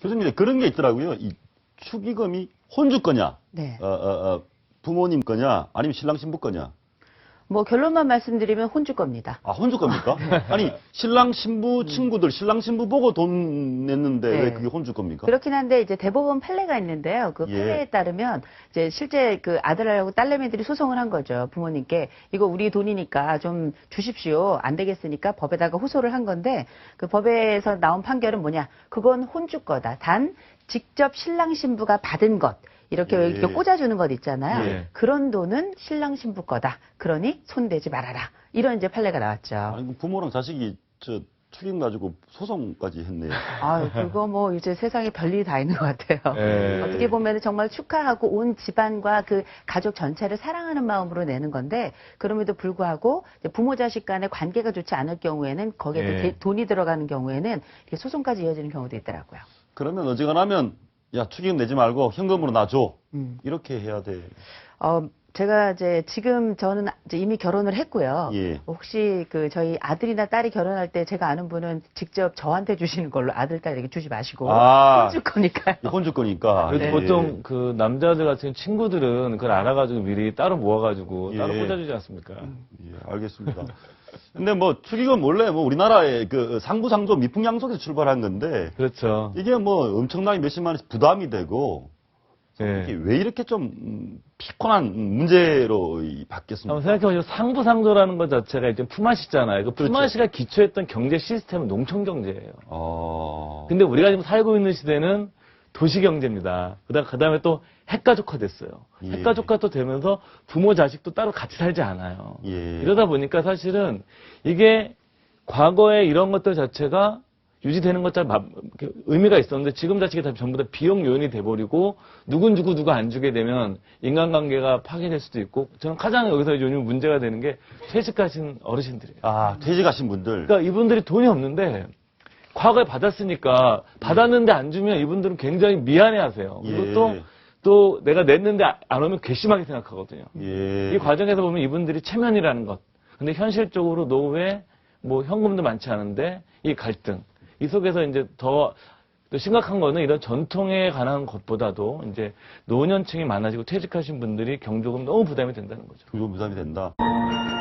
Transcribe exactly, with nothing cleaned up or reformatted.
교수님, 그런 게 있더라고요. 이 축의금이 혼주 거냐, 네. 어, 어, 어, 부모님 거냐, 아니면 신랑 신부 거냐. 뭐 결론만 말씀드리면 혼주 겁니다. 아, 혼주 겁니까? 아니, 신랑 신부 친구들, 신랑 신부 보고 돈 냈는데 네. 왜 그게 혼주 겁니까? 그렇긴 한데 이제 대법원 판례가 있는데요. 그 예. 판례에 따르면 이제 실제 그 아들하고 딸내미들이 소송을 한 거죠. 부모님께 이거 우리 돈이니까 좀 주십시오. 안 되겠으니까 법에다가 호소를 한 건데 그 법에서 나온 판결은 뭐냐? 그건 혼주 거다. 단 직접 신랑 신부가 받은 것. 이렇게 예. 이렇게 꽂아주는 것 있잖아요. 예. 그런 돈은 신랑 신부 거다. 그러니 손대지 말아라. 이런 이제 판례가 나왔죠. 아니, 그 부모랑 자식이 저 축의금 가지고 소송까지 했네요. 아, 그거 뭐 이제 세상에 별일이 다 있는 것 같아요. 예. 어떻게 보면 정말 축하하고 온 집안과 그 가족 전체를 사랑하는 마음으로 내는 건데 그럼에도 불구하고 이제 부모 자식 간의 관계가 좋지 않을 경우에는 거기에 예. 대- 돈이 들어가는 경우에는 이렇게 소송까지 이어지는 경우도 있더라고요. 그러면 어지간하면 야, 축의금 내지 말고 현금으로 놔줘. 음. 이렇게 해야 돼. 어, 제가 이제 지금 저는 이제 이미 결혼을 했고요. 예. 혹시 그 저희 아들이나 딸이 결혼할 때 제가 아는 분은 직접 저한테 주시는 걸로 아들, 딸 이렇게 주지 마시고 아. 해줄 거니까요. 혼주 거니까. 그래도 예. 보통 그 남자들 같은 친구들은 그걸 알아가지고 미리 따로 모아가지고 예. 따로 꽂아주지 않습니까? 예, 알겠습니다. 근데 뭐 축의금 원래 뭐 우리나라의 그 상부상조 미풍양속에서 출발한 건데 그렇죠. 이게 뭐 엄청나게 몇십만 원씩 부담이 되고 이게 예. 왜 이렇게 좀 음, 피곤한 문제로 이 바뀌었습니까? 한번 생각해보시면 상부상조라는 것 자체가 일단 품앗이잖아요. 그 그렇죠. 품앗이가 기초했던 경제 시스템은 농촌 경제예요. 어... 근데 우리가 지금 살고 있는 시대는 도시 경제입니다. 그다음 그다음에 또 핵가족화 됐어요. 예. 핵가족화 또 되면서 부모 자식도 따로 같이 살지 않아요. 예. 이러다 보니까 사실은 이게 과거에 이런 것들 자체가 유지되는 것처럼 마- 이렇게 의미가 있었는데 지금 자체가 다 전부 다 비용 요인이 돼버리고 누군 주고 누가 안 주게 되면 인간관계가 파괴될 수도 있고 저는 가장 여기서 요즘 문제가 되는 게 퇴직하신 어르신들이에요. 아, 퇴직하신 분들. 그러니까 이분들이 돈이 없는데 과거에 받았으니까 받았는데 안 주면 이분들은 굉장히 미안해하세요. 그리고 예. 또, 또 내가 냈는데 안 오면 괘씸하게 생각하거든요. 예. 이 과정에서 보면 이분들이 체면이라는 것. 근데 현실적으로 노후에 뭐 현금도 많지 않은데 이 갈등. 이 속에서 이제 더, 또 심각한 거는 이런 전통에 관한 것보다도 이제 노년층이 많아지고 퇴직하신 분들이 경조금 너무 부담이 된다는 거죠. 그 부담이 된다.